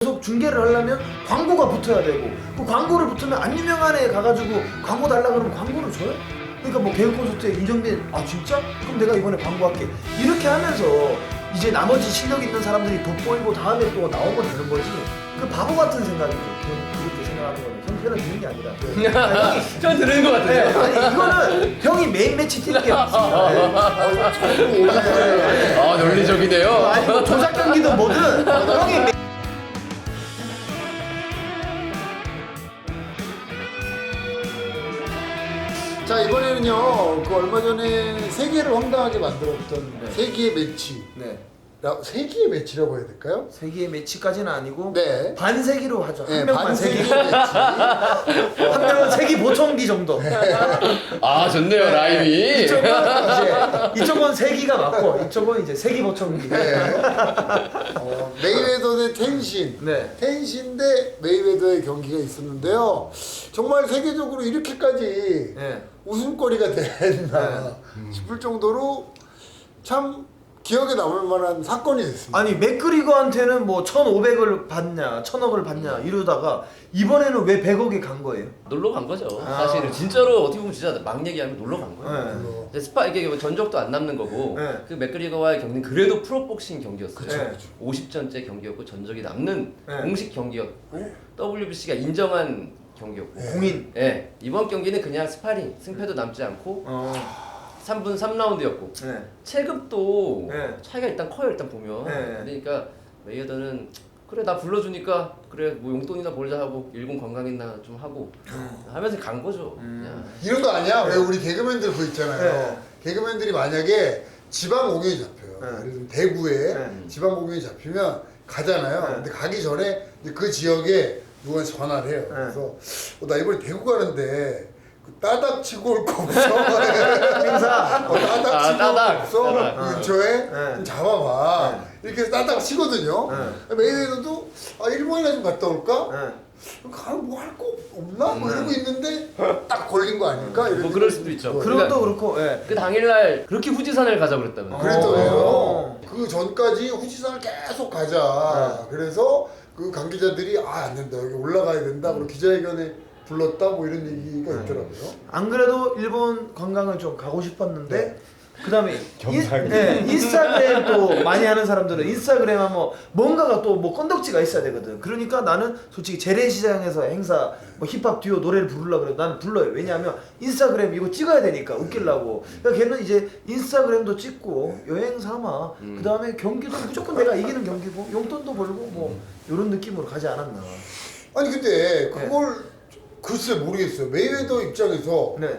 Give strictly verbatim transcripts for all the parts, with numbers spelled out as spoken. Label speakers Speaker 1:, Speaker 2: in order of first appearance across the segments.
Speaker 1: 계속 중계를 하려면 광고가 붙어야 되고 그 광고를 붙으면 안 유명한 애 가가지고 광고 달라 그러면 광고를 줘요? 그러니까 뭐 개그 콘서트에 이정민 아 진짜? 그럼 내가 이번에 광고할게 이렇게 하면서 이제 나머지 실력 있는 사람들이 돋보이고 다음에 또 나오면 되는 거지 그 바보 같은 생각이죠. 그렇게 생각하는 거는 형편을 드는 게 아니라 아, 형이
Speaker 2: 전 들은 것 같은데.
Speaker 1: 네, 아니 이거는 형이 메인 매치 뛰는 게 맞습니다. 네.
Speaker 2: 아 논리적이네요.
Speaker 1: 아니 뭐 조작 경기도 뭐든 형이 메...
Speaker 3: 자 이번에는요 그 얼마 전에 세계를 황당하게 만들었던
Speaker 1: 네.
Speaker 3: 세기의 매치
Speaker 1: 네.
Speaker 3: 라- 세기의 매치라고 해야 될까요?
Speaker 1: 세기의 매치까지는 아니고
Speaker 3: 네.
Speaker 1: 반세기로 하죠. 한
Speaker 3: 네,
Speaker 1: 명만 세기.
Speaker 3: 반세기의 매치.
Speaker 1: 한 명은 세기 보청기 정도.
Speaker 2: 아 좋네요 라임이.
Speaker 1: 이쪽은 이제 이쪽은 세기가 맞고 이쪽은 이제 세기 보청기.
Speaker 3: 네. 어, 메이웨더 대 텐신.
Speaker 1: 네.
Speaker 3: 텐신 대 메이웨더의 경기가 있었는데요. 정말 세계적으로 이렇게까지
Speaker 1: 네.
Speaker 3: 웃음거리가 됐나 싶을 정도로 참 기억에 남을 만한 사건이 됐습니다.
Speaker 1: 아니 맥그리거한테는 뭐 천오백을 받냐 천억을 받냐 이러다가 이번에는 왜 백억에 간 거예요?
Speaker 2: 놀러 간 거죠.
Speaker 1: 아.
Speaker 2: 사실은 진짜로 어떻게 보면 진짜 막 얘기하면 놀러 간 거예요.
Speaker 1: 네.
Speaker 3: 어,
Speaker 2: 근데 스파 이게 뭐 전적도 안 남는 거고
Speaker 1: 네.
Speaker 2: 그 맥그리거와의 경기는 그래도 프로복싱 경기였어요.
Speaker 1: 그쵸,
Speaker 3: 그쵸.
Speaker 2: 오십 전째 경기였고 전적이 남는
Speaker 1: 네.
Speaker 2: 공식 경기였고 더블유비씨가 인정한 경기였고.
Speaker 1: 공인.
Speaker 2: 네. 이번 경기는 그냥 스파링 승패도 남지 않고
Speaker 1: 어.
Speaker 2: 삼 분 삼 라운드였고
Speaker 1: 네.
Speaker 2: 체급도
Speaker 1: 네.
Speaker 2: 차이가 일단 커요 일단 보면.
Speaker 1: 네.
Speaker 2: 그러니까 메이어더는 그래 나 불러주니까 그래 뭐 용돈이나 벌자 하고 일본 관광이나 좀 하고 하면서 간 거죠.
Speaker 1: 음.
Speaker 2: 그냥.
Speaker 3: 이런 거 아니야? 왜 우리 개그맨들 그 있잖아요.
Speaker 1: 네.
Speaker 3: 개그맨들이 만약에 지방 공연이 잡혀요.
Speaker 1: 네.
Speaker 3: 예를 들면 대구에
Speaker 1: 네.
Speaker 3: 지방 공연이 잡히면 가잖아요.
Speaker 1: 네.
Speaker 3: 근데 가기 전에 이제 그 지역에 누구한테 전화를 해요.
Speaker 1: 네.
Speaker 3: 그래서 어, 나 이번에 대구 가는데 그 따닥 치고 올 거 없어?
Speaker 1: 행사.
Speaker 3: 어, 따닥
Speaker 2: 아,
Speaker 3: 치고 올 거
Speaker 2: 따닥.
Speaker 3: 없어?
Speaker 2: 따닥.
Speaker 3: 그 근처에
Speaker 1: 네.
Speaker 3: 좀 잡아봐. 이렇게 해서 따닥 치거든요.
Speaker 1: 네.
Speaker 3: 메이웨더도 아 일본이나 좀 갔다 올까?
Speaker 1: 네.
Speaker 3: 가면 뭐 할 거 없나? 뭐
Speaker 1: 네.
Speaker 3: 이러고 있는데 딱 걸린 거 아닐까? 이런
Speaker 2: 뭐 그럴
Speaker 3: 생각이
Speaker 2: 수도 있죠.
Speaker 3: 들어요.
Speaker 1: 그런 것도 그렇고. 예.
Speaker 2: 그 당일날 그렇게 후지산을 가자 그랬다면.
Speaker 3: 그랬더래요.
Speaker 1: 어.
Speaker 3: 그 전까지 후지산을 계속 가자. 그래서 그 관계자들이 아 안 된다 여기 올라가야 된다. 그리고 기자회견에 불렀다 뭐 이런 얘기가 있더라고요.
Speaker 1: 안 그래도 일본 관광을 좀 가고 싶었는데
Speaker 3: 네.
Speaker 1: 그다음에
Speaker 4: 경상이.
Speaker 1: 인, 네, 인스타그램 또 많이 하는 사람들은 인스타그램 하면 뭔가가 또 뭐 건덕지가 있어야 되거든. 그러니까 나는 솔직히 재래시장에서 행사 뭐 힙합 듀오 노래를 부르려고 그래. 나는 불러요. 왜냐하면 인스타그램 이거 찍어야 되니까 웃기려고. 그러니까 걔는 이제 인스타그램도 찍고 여행 삼아.
Speaker 2: 음.
Speaker 1: 그다음에 경기도 무조건 내가 이기는 경기고 용돈도 벌고 뭐 이런 느낌으로 가지 않았나.
Speaker 3: 아니 근데 그걸 글쎄 모르겠어요. 메이웨더 입장에서
Speaker 1: 네.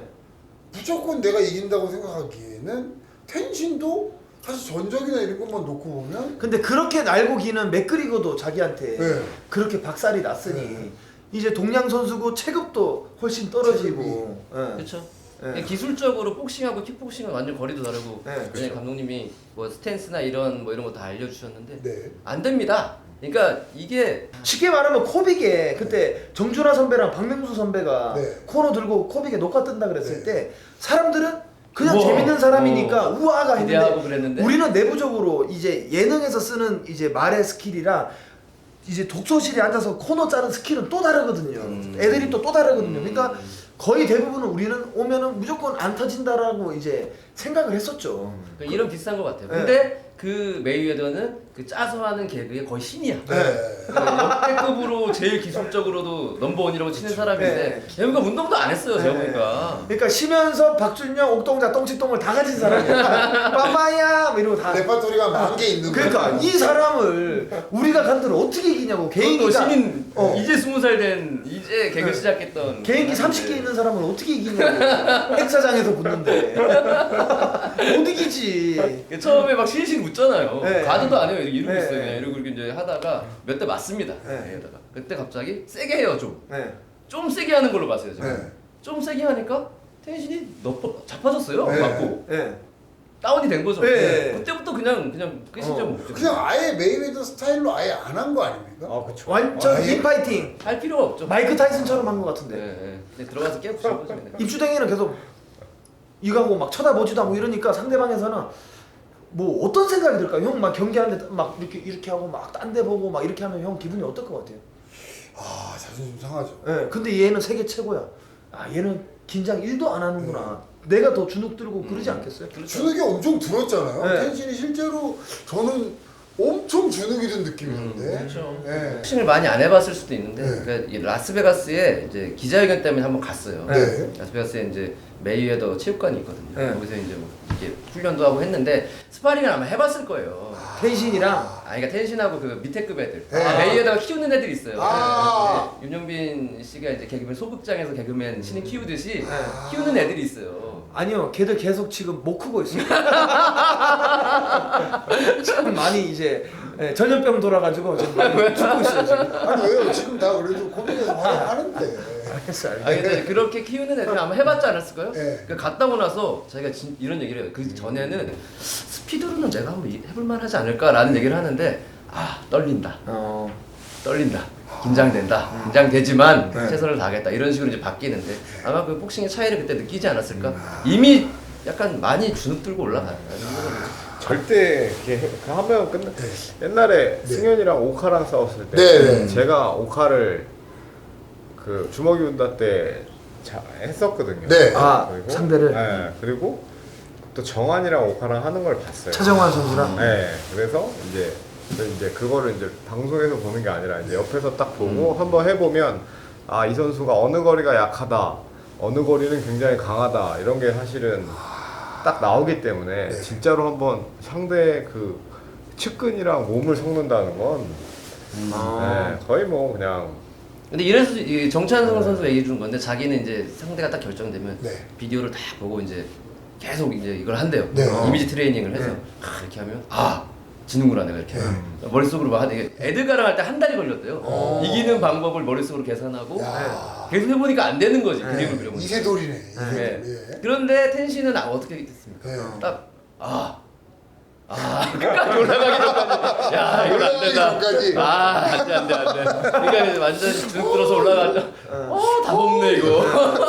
Speaker 3: 무조건 내가 이긴다고 생각하기에는 텐신도 사실 전적이나 이런 것만 놓고 보면
Speaker 1: 근데 그렇게 날고 기는 맥그리거도 자기한테
Speaker 3: 네.
Speaker 1: 그렇게 박살이 났으니
Speaker 3: 네.
Speaker 1: 이제 동양 선수고 체급도 훨씬 떨어지고. 예.
Speaker 2: 그렇죠.
Speaker 1: 예.
Speaker 2: 기술적으로 복싱하고 킥복싱은 완전 거리도 다르고.
Speaker 1: 네,
Speaker 2: 그냥
Speaker 1: 그렇죠.
Speaker 2: 감독님이 뭐 스탠스나 이런 뭐 이런 거 다 알려주셨는데
Speaker 3: 네.
Speaker 2: 안 됩니다. 그러니까 이게
Speaker 1: 쉽게 말하면 코빅에 그때 정준하 선배랑 박명수 선배가
Speaker 3: 네.
Speaker 1: 코너 들고 코빅에 녹화 뜬다 그랬을
Speaker 3: 네.
Speaker 1: 때 사람들은 그냥
Speaker 2: 우와.
Speaker 1: 재밌는 사람이니까
Speaker 2: 어.
Speaker 1: 우아가
Speaker 2: 기대하고
Speaker 1: 했는데
Speaker 2: 그랬는데
Speaker 1: 우리는 내부적으로 이제 예능에서 쓰는 이제 말의 스킬이랑 이제 독서실에 앉아서 코너 짜는 스킬은 또 다르거든요.
Speaker 2: 음.
Speaker 1: 애들이 또 또 다르거든요.
Speaker 2: 음.
Speaker 1: 그러니까 거의 대부분은 우리는 오면은 무조건 안 터진다라고 이제 생각을 했었죠.
Speaker 2: 그러니까 이런 비슷한 것 같아요.
Speaker 1: 네.
Speaker 2: 근데 그 메이웨더는 그 짜서 하는 개그의 거의 신이야.
Speaker 3: 네.
Speaker 2: 역대급으로 제일 기술적으로도 넘버원이라고 치는 사람인데
Speaker 1: 네.
Speaker 2: 제가 운동도 안 했어요. 제가
Speaker 1: 네.
Speaker 2: 보니까.
Speaker 1: 그러니까 심연섭, 박준영, 옥동자, 똥치똥을 다 가진 사람이야. 빠빠야 뭐 이러고 다.
Speaker 3: 레파토리가 만 개 있는
Speaker 1: 그러니까
Speaker 3: 거예요.
Speaker 1: 이 사람을 우리가 간들 어떻게 이기냐고.
Speaker 2: 그것도
Speaker 1: 개인기가
Speaker 2: 신인
Speaker 1: 어.
Speaker 2: 이제 스무 살 된 이제 개그
Speaker 1: 네.
Speaker 2: 시작했던
Speaker 1: 개인기 삼십 개 있는 사람을 어떻게 이기냐고. 행사장에서 붙는데 못 이기지.
Speaker 2: 처음에 막 실실 웃잖아요.
Speaker 1: 네.
Speaker 2: 가드도 안 해요. 이러고
Speaker 1: 네.
Speaker 2: 있어요. 그냥 이러고 이렇게 이제 하다가 몇 대 맞습니다.
Speaker 1: 네.
Speaker 2: 메이웨더가. 그때 갑자기 세게 해요 좀.
Speaker 1: 네.
Speaker 2: 좀 세게 하는 걸로 봤어요 제가.
Speaker 3: 네.
Speaker 2: 좀 세게 하니까 텐신이 너퍼 자빠졌어요.
Speaker 3: 네.
Speaker 2: 맞고
Speaker 1: 네.
Speaker 2: 다운이 된 거죠.
Speaker 1: 네.
Speaker 2: 그때부터 그냥 그냥 끝이죠.
Speaker 1: 어.
Speaker 2: 뭐.
Speaker 3: 그냥 아예 메이웨더 스타일로 아예 안 한 거 아닙니까?
Speaker 4: 아 그렇죠.
Speaker 1: 완전
Speaker 3: 아예?
Speaker 1: 인파이팅.
Speaker 2: 할 필요가 없죠.
Speaker 1: 마이크 타이슨처럼 한 것 같은데.
Speaker 2: 네, 네. 그냥 들어가서 깨부수는 거죠. 그냥.
Speaker 1: 입주댕이는 계속 이거하고 막 쳐다보지도 않고 이러니까 상대방에서는 뭐 어떤 생각이 들까요? 형 막 경기하는데 막 이렇게 이렇게 하고 막 딴 데 보고 막 이렇게 하면 형 기분이 어떨 것 같아요?
Speaker 3: 아 자존심 상하죠.
Speaker 1: 예, 근데 얘는 세계 최고야. 아 얘는 긴장 일도 안 하는구나. 내가 더 주눅 들고 그러지 않겠어요?
Speaker 3: 주눅이 엄청 들었잖아요.
Speaker 1: 네.
Speaker 3: 텐신이 실제로 저는 엄청 주눅이 든 느낌이었는데.
Speaker 2: 그렇죠.
Speaker 3: 네.
Speaker 2: 복싱을 많이 안 해봤을 수도 있는데
Speaker 3: 네.
Speaker 2: 그러니까 이 라스베가스에 이제 기자회견 때문에 한번 갔어요.
Speaker 3: 네.
Speaker 2: 라스베가스에 이제 메이웨더 체육관이 있거든요.
Speaker 1: 네.
Speaker 2: 거기서 이제 뭐 이렇게 훈련도 하고 했는데 스파링을 아마 해봤을 거예요.
Speaker 1: 텐신이랑
Speaker 2: 아, 그러니까 텐신하고 그 밑에 급 애들.
Speaker 3: 네.
Speaker 2: 아, 메이웨더가 키우는 애들이 있어요.
Speaker 3: 아.
Speaker 2: 네. 윤영빈 씨가 이제 개그맨 소극장에서 개그맨 신인 키우듯이
Speaker 1: 네.
Speaker 2: 키우는 애들이 있어요.
Speaker 1: 아니요, 걔들 계속 지금 못 크고 있어요. 참 많이 이제 예, 전염병 돌아가지고 지금 많이 죽고 있어요 지금.
Speaker 3: 아니 왜요? 지금 다 그래도 코미디에서 활약하는데.
Speaker 1: 알겠어, 알겠어.
Speaker 2: 아 근데 그렇게 키우는 애들 아마 해봤지 않았을까요?
Speaker 3: 네.
Speaker 2: 그 갔다 오고 나서 자기가 진, 이런 얘기를 해요. 그 전에는 스피드로는 내가 한번 이- 해볼만 하지 않을까라는 얘기를 하는데 아 떨린다,
Speaker 1: 어,
Speaker 2: 떨린다, 긴장된다, 긴장되지만
Speaker 1: 네.
Speaker 2: 최선을 다하겠다 이런 식으로 이제 바뀌는데 아마 그 복싱의 차이를 그때 느끼지 않았을까? 이미 약간 많이 주눅 들고 올라가는 거죠.
Speaker 4: 절대 이렇게 하면 끝나. 옛날에 승현이랑 오카랑 싸웠을 때
Speaker 3: 네, 네.
Speaker 4: 제가 오카를 그 주먹이 운다 때 자, 했었거든요.
Speaker 3: 네.
Speaker 1: 아 상대를
Speaker 4: 네, 그리고 또 정환이랑 오카랑 하는 걸 봤어요.
Speaker 1: 차정환 선수랑.
Speaker 4: 네, 그래서 이제 그래서 이제 그거를 이제 방송에서 보는 게 아니라 이제 옆에서 딱 보고 한번 해보면 아 이 선수가 어느 거리가 약하다, 어느 거리는 굉장히 강하다 이런 게 사실은 딱 나오기 때문에 진짜로 한번 상대의 그 측근이랑 몸을 섞는다는 건
Speaker 1: 아.
Speaker 4: 네, 거의 뭐 그냥
Speaker 2: 근데 이래서 이 정찬성 선수 얘기 준 건데 자기는 이제 상대가 딱 결정되면
Speaker 3: 네.
Speaker 2: 비디오를 다 보고 이제 계속 이제 이걸 한대요.
Speaker 3: 네.
Speaker 2: 이미지 트레이닝을 해서
Speaker 1: 네.
Speaker 2: 아, 이렇게 하면 아 지는구나 내가 이렇게 머릿속으로 막 하는 게 에드가랑 할 때 한 달이 걸렸대요.
Speaker 3: 어.
Speaker 2: 이기는 방법을 머릿속으로 계산하고
Speaker 3: 야.
Speaker 2: 계속 해보니까 안 되는 거지
Speaker 1: 네.
Speaker 2: 그림을 그려보니까.
Speaker 3: 이세돌이네.
Speaker 2: 네.
Speaker 3: 이세돌. 예.
Speaker 2: 그런데 텐신은 아, 어떻게 됐습니까?
Speaker 3: 네.
Speaker 2: 딱 아. 아, 끝까지 올라가기 전까지. 야, 이건 안 된다.
Speaker 3: 올라가기 전까지.
Speaker 2: 아, 안 돼, 안 돼, 안 돼. 그러니까 이제 완전 주눅 들어서 올라가자. 어, 다 먹네, 이거.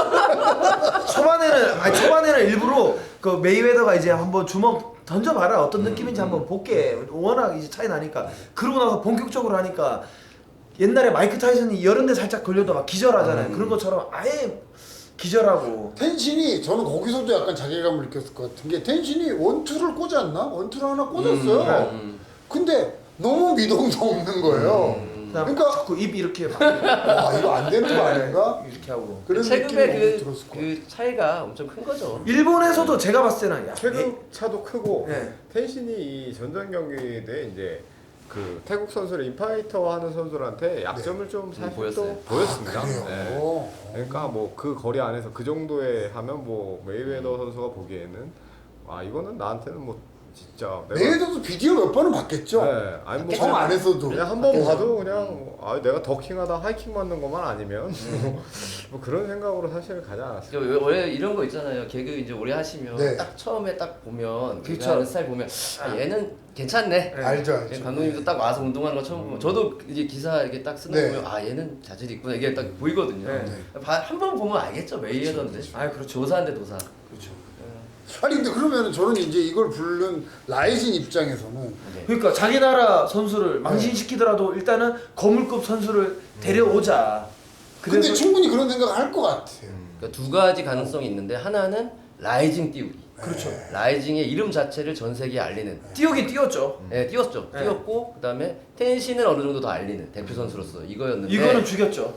Speaker 1: 초반에는 아니 초반에는 일부러 그 메이웨더가 이제 한번 주먹 던져봐라 어떤 느낌인지 한번 볼게. 워낙 이제 차이 나니까. 그러고 나서 본격적으로 하니까 옛날에 마이크 타이슨이 여러 대 살짝 걸려도 막 기절하잖아요. 그런 것처럼 아예 기절하고.
Speaker 3: 텐신이 저는 거기서도 약간 자괴감을 느꼈을 것 같은 게 텐신이 원투를 꽂았나? 원투를 하나 꽂았어요.
Speaker 2: 음.
Speaker 3: 근데 너무 미동도 없는 거예요.
Speaker 1: 그다음
Speaker 3: 그러니까-
Speaker 1: 자꾸 입 이렇게 막
Speaker 3: 와 이거 안 되는 거 아닌가?
Speaker 1: 이렇게 하고.
Speaker 3: 그런 느낌이
Speaker 2: 체급의
Speaker 3: 너무
Speaker 2: 그,
Speaker 3: 들었을 것 같아요.
Speaker 2: 그 차이가 엄청 큰 거죠.
Speaker 1: 일본에서도 제가 봤을 때는 야,
Speaker 4: 체급 차도 크고
Speaker 1: 네.
Speaker 4: 텐신이 이 전전 경기 때 이제 그 태국 선수를 인파이터 하는 선수들한테 약점을 좀 사실
Speaker 2: 보였어요.
Speaker 4: 또 보였습니다.
Speaker 3: 그래요.
Speaker 4: 네.
Speaker 3: 어.
Speaker 4: 그러니까 뭐 그 거리 안에서 그 정도에 하면 뭐 메이웨더 선수가 보기에는 아 이거는 나한테는 뭐 진짜 내가
Speaker 3: 메이웨더도 비디오 몇 번은 봤겠죠?
Speaker 4: 네, 아니 뭐
Speaker 3: 정
Speaker 4: 그냥,
Speaker 3: 안에서도
Speaker 4: 그냥 한 번 봐도 그냥 아 내가 더킹하다 하이킹 맞는 것만 아니면 뭐 그런 생각으로 사실 가지 않았어요.
Speaker 2: 저 원래 이런 거 있잖아요. 개그 이제 오래 하시면
Speaker 3: 네.
Speaker 2: 딱 처음에 딱 보면 그
Speaker 1: 그쵸.
Speaker 2: 하는 스타일 보면 아, 얘는 괜찮네.
Speaker 1: 네.
Speaker 3: 알죠 알죠.
Speaker 2: 감독님도 딱 와서 운동하는 거 처음 보면 저도 이제 기사 이렇게 딱 쓰는 거
Speaker 3: 네.
Speaker 2: 보면 아 얘는 자질이 있구나 이게 딱 보이거든요.
Speaker 1: 네.
Speaker 2: 한 번 보면 알겠죠 메이웨더인데.
Speaker 1: 아 그렇죠.
Speaker 2: 조사인데 도사.
Speaker 1: 그렇죠.
Speaker 3: 아니 근데 그러면은 저는 이제 이걸 부른 라이진 입장에서는
Speaker 2: 네.
Speaker 1: 그러니까 자기 나라 선수를 망신시키더라도 일단은 거물급 선수를 데려오자.
Speaker 3: 근데
Speaker 1: 그래서
Speaker 3: 충분히 그런 생각을 할 것 같아요.
Speaker 2: 그러니까 두 가지 가능성이 있는데 하나는 라이징 띄우기.
Speaker 1: 그렇죠.
Speaker 2: 라이징의 이름 자체를 전 세계에 알리는.
Speaker 1: 뛰어긴 뛰었죠.
Speaker 2: 네, 띄웠죠.
Speaker 1: 네.
Speaker 2: 띄웠고 그다음에 텐신을 어느 정도 더 알리는 대표 선수로서 이거였는데.
Speaker 1: 이거는 죽였죠.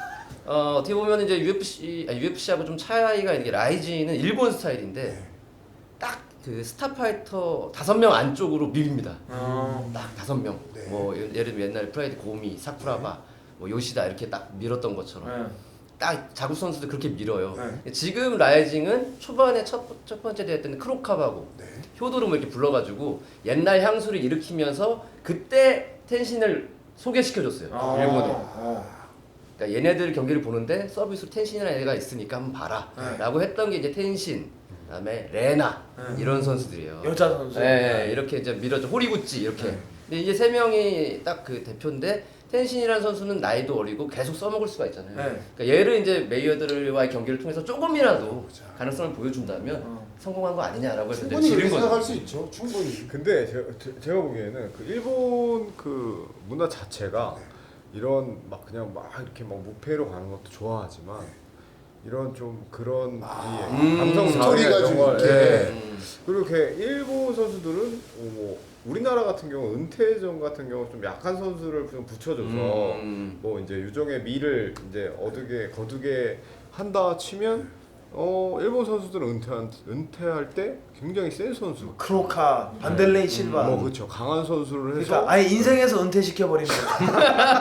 Speaker 2: 어, 어떻게 보면 이제 유에프씨, 아니, 유에프씨하고 좀 차이가 있는 게 라이징은 일본 스타일인데 딱 그 스타파이터 다섯 명 안쪽으로 밀립니다.
Speaker 1: 어.
Speaker 2: 딱 다섯 명.
Speaker 3: 네.
Speaker 2: 뭐 예를 들면 옛날에 프라이드 고미, 사쿠라바, 뭐 요시다 이렇게 딱 밀었던 것처럼.
Speaker 1: 네.
Speaker 2: 딱 자국 선수들 그렇게 밀어요.
Speaker 1: 네.
Speaker 2: 지금 라이징은 초반에 첫, 첫 번째 대회 때는 크로캅하고
Speaker 3: 네.
Speaker 2: 효도름을 이렇게 불러가지고 옛날 향수를 일으키면서 그때 텐신을 소개시켜줬어요.
Speaker 1: 어.
Speaker 2: 일본에.
Speaker 1: 어.
Speaker 2: 그러니까 얘네들 경기를 보는데 서비스로 텐신이라는 애가 있으니까 한번 봐라.
Speaker 1: 네.
Speaker 2: 라고 했던 게 이제 텐신, 그다음에 레나
Speaker 1: 네.
Speaker 2: 이런 선수들이에요.
Speaker 1: 여자 선수.
Speaker 2: 네, 이렇게 이제 밀어줘 호리구찌 이렇게.
Speaker 1: 네.
Speaker 2: 근데 이제 세 명이 딱 그 대표인데 텐신이라는 선수는 나이도 어리고 계속 써먹을 수가 있잖아요.
Speaker 1: 네.
Speaker 2: 그러니까 얘를 이제 메이어들과의 경기를 통해서 조금이라도 가능성을 보여준다면
Speaker 1: 어.
Speaker 2: 성공한 거 아니냐라고 해서
Speaker 3: 충분히 그렇게
Speaker 2: 지른
Speaker 3: 생각할
Speaker 2: 거죠.
Speaker 3: 수 있죠. 충분히.
Speaker 4: 근데 제가, 제- 제가 보기에는 그 일본 그 문화 자체가 이런 막 그냥 막 이렇게 막 무패로 가는 것도 좋아하지만 이런 좀 그런
Speaker 3: 아,
Speaker 4: 이 감성
Speaker 2: 음,
Speaker 4: 자극
Speaker 3: 스토리가
Speaker 4: 이런
Speaker 3: 좀
Speaker 4: 걸
Speaker 3: 이렇게.
Speaker 4: 예.
Speaker 2: 음.
Speaker 4: 그리고 이렇게 일본 선수들은 어, 뭐 우리나라 같은 경우 은퇴전 같은 경우 좀 약한 선수를 좀 붙여줘서
Speaker 2: 음.
Speaker 4: 뭐 이제 유종의 미를 이제 얻게 거두게 한다 치면 어 일본 선수들은 은퇴한 은퇴할 때 굉장히 센 선수
Speaker 1: 크로카, 반델레이 실바.
Speaker 4: 뭐 그렇죠 강한 선수를 해서
Speaker 1: 그러니까 아예 인생에서 은퇴시켜 버리는 거죠.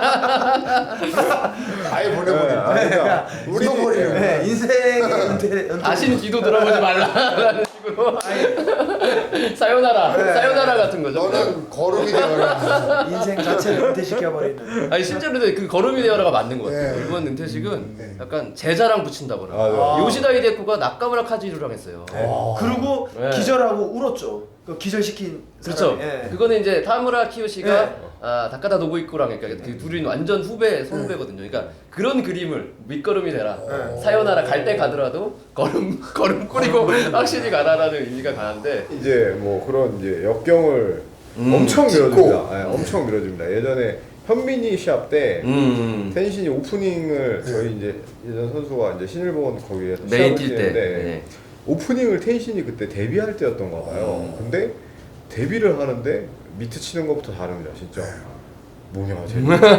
Speaker 3: 아예
Speaker 4: 네,
Speaker 3: 보내버리는.
Speaker 4: 아, 그러니까 우리
Speaker 3: 묻어버리는 거야.
Speaker 1: 네, 인생에 은퇴. 은퇴.
Speaker 2: 다시는 뒤도 돌아보지 말라라는 식으로 사요나라
Speaker 1: 네.
Speaker 2: 사요나라 같은 거죠.
Speaker 3: 너는 거름이 되어라.
Speaker 1: 인생 자체를 은퇴시켜 버리는.
Speaker 2: 아니 실제로 그 걸음이 되어라가 맞는 것 같아요.
Speaker 3: 네.
Speaker 2: 이번 은퇴식은
Speaker 3: 네.
Speaker 2: 약간 제자랑 붙인다거나
Speaker 4: 아, 네.
Speaker 1: 아.
Speaker 2: 요시다 히데코가 나카무라 카즈히로랑 했어요.
Speaker 1: 그리고
Speaker 2: 네.
Speaker 1: 기절하고 울었죠. 그 기절시킨
Speaker 2: 그렇죠.
Speaker 1: 사람이. 예.
Speaker 2: 그거는 이제 타무라 키요시가
Speaker 1: 네.
Speaker 2: 아, 다카다 노부이코랑 그러니까 그 둘이 완전 후배 선후배거든요. 그러니까 그런 그림을 밑거름이 되라.
Speaker 1: 네.
Speaker 2: 사요나라 갈 때 가더라도 걸음 걸음 꾸리고 확실히 가라라는 의미가 강한데.
Speaker 4: 이제 뭐 그런 이제 역경을
Speaker 2: 음,
Speaker 4: 엄청
Speaker 3: 짚고.
Speaker 4: 밀어줍니다. 예, 엄청 밀어줍니다. 예전에 현민이 시합 때
Speaker 2: 음.
Speaker 4: 텐신이 오프닝을 저희 이제 예전 선수가 이제 신일본 거기에서
Speaker 2: 메인
Speaker 4: 시합을
Speaker 2: 뛸 때.
Speaker 4: 뛰는데
Speaker 2: 네.
Speaker 4: 오프닝을 텐신이 그때 데뷔할 때였던가 봐요.
Speaker 2: 음.
Speaker 4: 근데 데뷔를 하는데 미트 치는 것부터 다릅니다. 진짜 뭐냐 쟤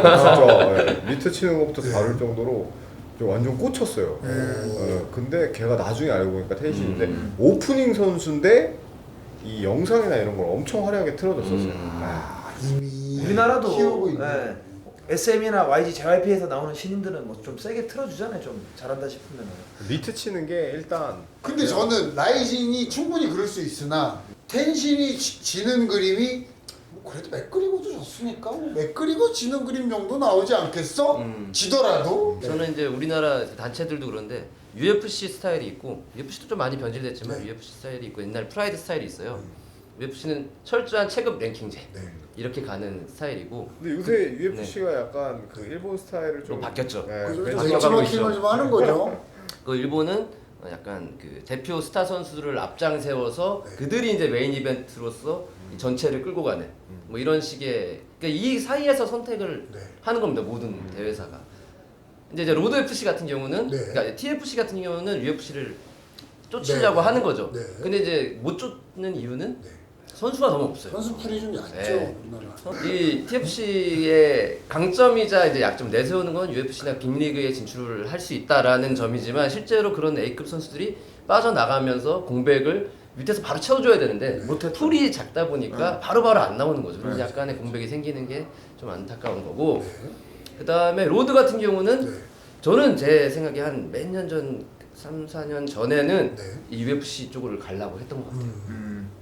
Speaker 4: 진짜 예, 미트 치는 것부터 다를 정도로 좀 완전 꽂혔어요. 예, 근데 걔가 나중에 알고 보니까 텐신인데
Speaker 2: 음.
Speaker 4: 오프닝 선수인데 이 영상이나 이런 걸 엄청 화려하게 틀어줬었어요.
Speaker 2: 음.
Speaker 4: 아,
Speaker 3: 이미
Speaker 1: 우리나라도
Speaker 3: 키우고 있네.
Speaker 1: 예, 에스엠이나 와이지 제이와이피에서 나오는 신인들은 뭐 좀 세게 틀어주잖아요. 좀 잘한다 싶으면.
Speaker 4: 미트 치는 게 일단
Speaker 3: 근데 저는 라이징이 충분히 그럴 수 있으나 텐신이 지, 지는 그림이 뭐 그래도 맥그리고도 졌으니까 뭐 맥그리고 지는 그림 정도 나오지 않겠어?
Speaker 2: 음.
Speaker 3: 지더라도.
Speaker 2: 저는 이제 우리나라 단체들도 그런데 유에프씨 스타일이 있고 유에프씨도 좀 많이 변질됐지만
Speaker 3: 네.
Speaker 2: 유에프씨 스타일이 있고 옛날 프라이드 스타일이 있어요. 유에프씨는 철저한 체급 랭킹제
Speaker 3: 네.
Speaker 2: 이렇게 가는 스타일이고
Speaker 4: 근데 요새 유에프씨가 약간 그 일본 스타일을 좀
Speaker 2: 좀 바뀌었죠.
Speaker 4: 네,
Speaker 3: 그죠?
Speaker 4: 벤치-
Speaker 2: 바뀌어가고
Speaker 3: 벤치마킹을 좀 하는 거죠.
Speaker 2: 그 일본은 약간 그 대표 스타 선수들을 앞장 세워서
Speaker 3: 네.
Speaker 2: 그들이 이제 메인 이벤트로서 이 전체를 끌고 가는 뭐 이런 식의 그러니까 이 사이에서 선택을
Speaker 3: 네.
Speaker 2: 하는 겁니다. 모든 대회사가. 근데 이제 로드 에프씨 같은 경우는
Speaker 3: 네.
Speaker 2: 그러니까 티에프씨 같은 경우는 유에프씨를 쫓으려고
Speaker 3: 네.
Speaker 2: 하는 거죠.
Speaker 3: 네.
Speaker 2: 근데 이제 못 쫓는 이유는
Speaker 3: 네.
Speaker 2: 선수가 너무 없어요.
Speaker 3: 선수 풀이 좀 얕죠
Speaker 2: 네.
Speaker 3: 우리나라.
Speaker 2: 이 티에프씨의 강점이자 이제 약점 내세우는 건 유에프씨나 빅리그에 진출을 할 수 있다라는 점이지만 실제로 그런 A급 선수들이 빠져나가면서 공백을 밑에서 바로 채워줘야 되는데
Speaker 1: 못했죠.
Speaker 2: 풀이 작다 보니까 바로바로 안 나오는 거죠. 그래서 약간의 공백이 생기는 게 좀 안타까운 거고 그 다음에 로드 같은 경우는
Speaker 3: 네.
Speaker 2: 저는 제 생각에 한 몇 년 전, 삼, 사 년 전에는
Speaker 3: 네.
Speaker 2: 이 유에프씨 쪽을 가려고 했던 것 같아요.
Speaker 1: 음.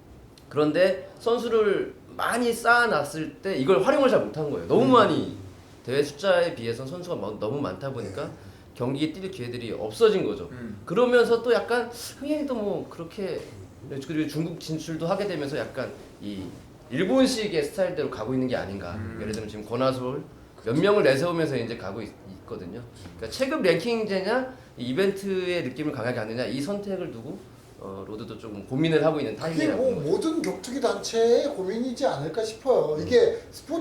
Speaker 2: 그런데 선수를 많이 쌓아놨을 때 이걸 활용을 잘 못한 거예요. 너무 많이 대회 숫자에 비해서 선수가 마- 너무 많다 보니까 경기에 뛸 기회들이 없어진 거죠.
Speaker 1: 음.
Speaker 2: 그러면서 또 약간 흥행도 뭐 그렇게 그리고 중국 진출도 하게 되면서 약간 이 일본식의 스타일대로 가고 있는 게 아닌가. 예를 들면 지금 권하솔 몇 명을 내세우면서 이제 가고 있, 거든요 그러니까 체급 랭킹제냐 이 이벤트의 느낌을 강하게 하느냐 이 선택을 두고 어, 로드도 조금 고민을 하고 있는
Speaker 3: 그게
Speaker 2: 타이밍이라고
Speaker 3: 뭐
Speaker 2: 보는 거죠.
Speaker 3: 모든 격투기 단체의 고민이지 않을까 싶어요. 이게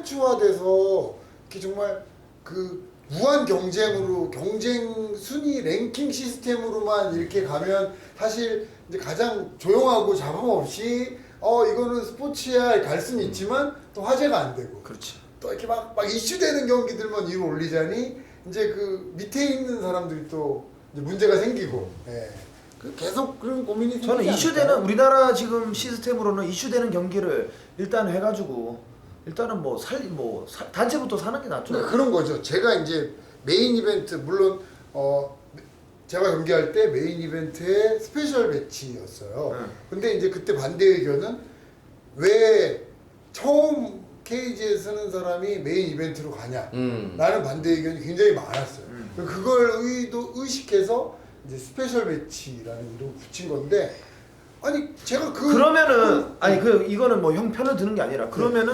Speaker 3: 스포츠화돼서 이렇게 정말 그 무한 경쟁으로 경쟁 순위 랭킹 시스템으로만 이렇게 가면 사실 이제 가장 조용하고 잡음 없이 어 이거는 스포츠야 갈 수는 있지만 또 화제가 안 되고
Speaker 1: 그렇지.
Speaker 3: 또 이렇게 막, 막 이슈되는 경기들만 위로 올리자니 이제 그 밑에 있는 사람들이 또 이제 문제가 생기고 예. 그 계속 그런 고민이 생기지
Speaker 1: 저는 이슈되는
Speaker 3: 않을까요?
Speaker 1: 우리나라 지금 시스템으로는 이슈되는 경기를 일단 해가지고 일단은 뭐 살 뭐 단체부터 사는 게 낫죠.
Speaker 3: 그러니까 그런 거죠. 제가 이제 메인 이벤트 물론 어 제가 경기할 때 메인 이벤트의 스페셜 매치였어요.
Speaker 1: 응.
Speaker 3: 근데 이제 그때 반대 의견은 왜 처음 케이지에 서는 사람이 메인 이벤트로 가냐?
Speaker 2: 음.
Speaker 3: 라는 반대 의견이 굉장히 많았어요.
Speaker 1: 음.
Speaker 3: 그걸 의도 의식해서 이제 스페셜 매치라는 이름을 붙인 건데 아니 제가 그
Speaker 1: 그러면은 아니 그 이거는 뭐 형 편을 드는 게 아니라 그러면은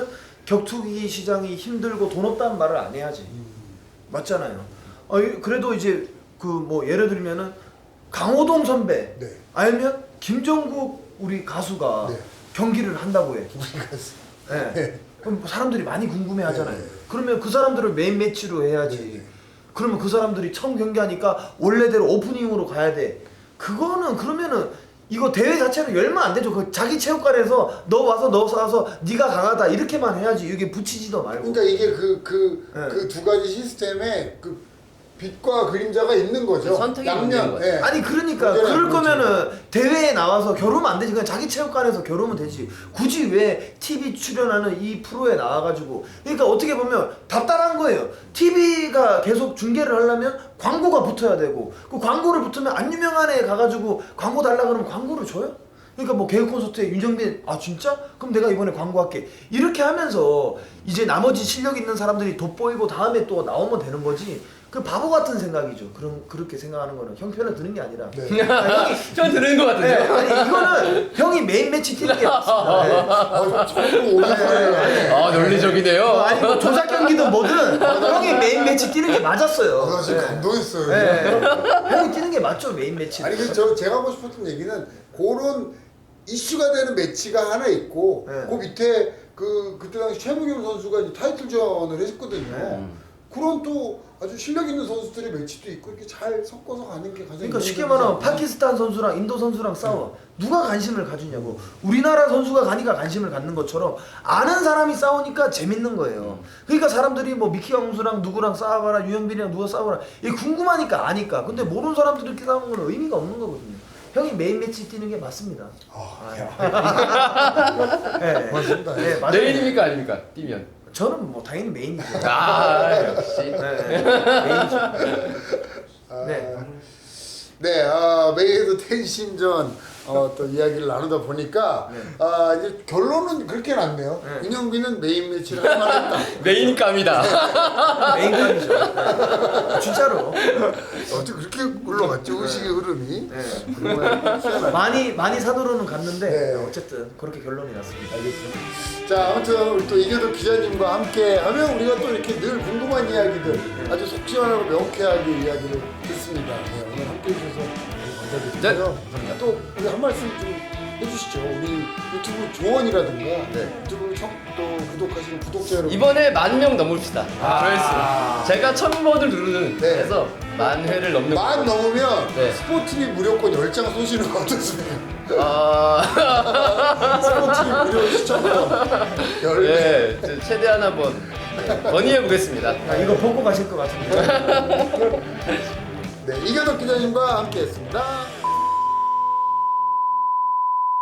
Speaker 1: 격투기 시장이 힘들고 돈 없다는 말을 안 해야지. 맞잖아요. 어, 이- 그래도 이제 그 뭐 예를 들면은 강호동 선배
Speaker 3: 네.
Speaker 1: 알면 김종국 우리 가수가
Speaker 3: 네.
Speaker 1: 경기를 한다고 해.
Speaker 3: 네.
Speaker 1: 네. 그럼 사람들이 많이 궁금해하잖아요.
Speaker 3: 네.
Speaker 1: 그러면 그 사람들을 메인 매치로 해야지.
Speaker 3: 네.
Speaker 1: 그러면 그 사람들이 처음 경기하니까 원래대로 오프닝으로 가야 돼. 그거는 그러면은 이거 대회 자체는 열면 안 되죠. 그 자기 체육관에서 너 와서 너 와서 네가 강하다 이렇게만 해야지. 이게 붙이지도 말고.
Speaker 3: 그러니까 이게 그 그
Speaker 1: 네.
Speaker 3: 그 두 가지 시스템에 그 빛과 그림자가 있는 거죠.
Speaker 2: 선택의
Speaker 3: 양면.
Speaker 2: 문제인 거죠.
Speaker 3: 예.
Speaker 1: 아니 그러니까
Speaker 3: 문제는
Speaker 1: 그럴
Speaker 3: 그렇죠.
Speaker 1: 거면은 대회에 나와서 겨루면 안 되지. 그냥 자기 체육관에서 겨루면 되지. 굳이 왜 티비 출연하는 이 프로에 나와가지고. 그러니까 어떻게 보면 답답한 거예요. 티비가 계속 중계를 하려면 광고가 붙어야 되고 그 광고를 붙으면 안 유명한 애 가가지고 광고 달라 그러면 광고를 줘요? 그러니까 뭐 개그 콘서트에 윤정빈 아 진짜? 그럼 내가 이번에 광고할게 이렇게 하면서 이제 나머지 실력 있는 사람들이 돋보이고 다음에 또 나오면 되는 거지. 그 바보 같은 생각이죠. 그런 그렇게 생각하는 거는 형 편을 드는 게 아니라.
Speaker 3: 네.
Speaker 1: 아, 형이
Speaker 2: 전 들은 것
Speaker 1: 네,
Speaker 2: 같은데요.
Speaker 1: 아니 이거는 형이 메인 매치 뛰는 게 맞습니다. 네.
Speaker 3: 아, 처음으로 오는 소리가.
Speaker 2: 아 논리적이네요.
Speaker 1: 어, 아니 뭐 조작 경기든 뭐든 형이 메인 매치 뛰는 게 맞았어요.
Speaker 3: 아, 나 지금
Speaker 1: 네.
Speaker 3: 감동했어요.
Speaker 1: 네. 형이 뛰는 게 맞죠 메인 매치.
Speaker 3: 아니 그 저 제가 하고 싶었던 얘기는 그런 이슈가 되는 매치가 하나 있고
Speaker 1: 네.
Speaker 3: 그 밑에 그 그때 당시 최무겸 선수가 이제 타이틀전을 했거든요.
Speaker 1: 네.
Speaker 3: 그런 또 아주 실력 있는 선수들의 매치도 있고 이렇게 잘 섞어서 가는 게 가장
Speaker 1: 그러니까 쉽게
Speaker 3: 이상적이지
Speaker 1: 말하면
Speaker 3: 않나?
Speaker 1: 파키스탄 선수랑 인도 선수랑 싸워. 누가 관심을 가지냐고. 우리나라 선수가 가니까 관심을 갖는 것처럼 아는 사람이 싸우니까 재밌는 거예요. 그러니까 사람들이 뭐 미키 형수랑 누구랑 싸워라, 유현빈이랑 누가 싸워라. 이게 궁금하니까 아니까. 근데 모르는 사람들이 이렇게 싸우는 건 의미가 없는 거거든요. 형이 메인 매치 뛰는 게 맞습니다.
Speaker 3: 아,
Speaker 1: 네.
Speaker 3: 맞습니다.
Speaker 1: 네, 맞아요.
Speaker 2: 메인입니까 아닙니까? 뛰면.
Speaker 1: 저는 뭐 당연히 메인이죠.
Speaker 2: 아 역시.
Speaker 1: 네, 메인이죠.
Speaker 3: 아,
Speaker 1: 네.
Speaker 3: 네, 아, 메이드 텐신전 어, 또 이야기를 나누다 보니까
Speaker 1: 네.
Speaker 3: 아, 이제 결론은 그렇게 났네요.
Speaker 1: 네.
Speaker 3: 윤영빈은 메인 매치를 할 만했다.
Speaker 2: 메인감이다.
Speaker 1: 메인감이죠. 네. 진짜로.
Speaker 3: 어떻게 그렇게 흘러갔죠? 의식의 흐름이.
Speaker 1: 네.
Speaker 3: 정말 희한하네.
Speaker 1: 많이 많이 산으로는 갔는데
Speaker 3: 네.
Speaker 1: 어쨌든 그렇게 결론이 났습니다.
Speaker 3: 알겠습니다. 자, 아무튼 우리 또 이교도 기자님과 함께 하면 우리가 또 이렇게 늘 궁금한 이야기들 아주 속 시원하고 명쾌하게 이야기를 듣습니다. 네, 오늘 함께 해주셔서 감사드리고요.
Speaker 2: 네, 감사합니다.
Speaker 3: 또 우리 한 말씀 좀 해주시죠. 우리 유튜브 조언이라든가
Speaker 2: 네.
Speaker 3: 유튜브 청, 또 구독하시는 구독자 여러분.
Speaker 2: 이번에 만 명 넘읍시다.
Speaker 1: 아.
Speaker 2: 조회수. 제가 천 번을 누르는
Speaker 3: 네.
Speaker 2: 해서 만 회를 넘는.
Speaker 3: 만
Speaker 2: 거.
Speaker 3: 넘으면
Speaker 2: 네.
Speaker 3: 스포티비 무료권 열 장 쏘시는 거 어떻습니까?
Speaker 2: 아.
Speaker 3: 스포티비 무료 시청권 열 개.
Speaker 2: 네, 저 최대한 한번 네, 건의해 보겠습니다.
Speaker 1: 아, 이거 보고 가실 것 같은데.
Speaker 3: 네, 이교도 기자님과 함께했습니다.